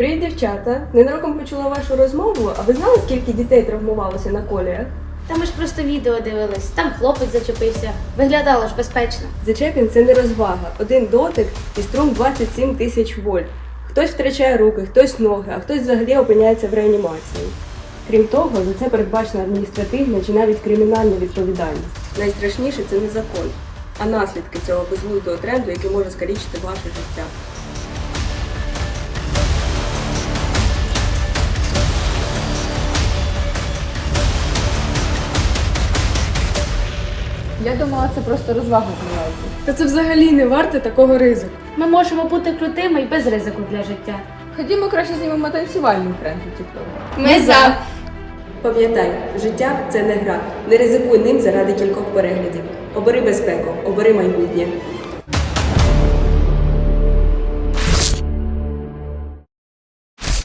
Привіт, дівчата! Ненароком почула вашу розмову, а ви знали, скільки дітей травмувалося на коліях? Та ми ж просто відео дивились, там хлопець зачепився. Виглядало ж безпечно. Зачепін – це не розвага. Один дотик і струм 27 тисяч вольт. Хтось втрачає руки, хтось ноги, а хтось взагалі опиняється в реанімації. Крім того, за це передбачена адміністративна чи навіть кримінальна відповідальність. Найстрашніше – це не закон, а наслідки цього безглуздого тренду, який може скалічити ваше життя. Я думала, це просто розвага змінилася. Та це взагалі не варте такого ризику. Ми можемо бути крутими і без ризику для життя. Ходімо краще знімемо танцювальний тренд у TikTok. Ми за! Пам'ятай, життя – це не гра. Не ризикуй ним заради кількох переглядів. Обери безпеку, обери майбутнє.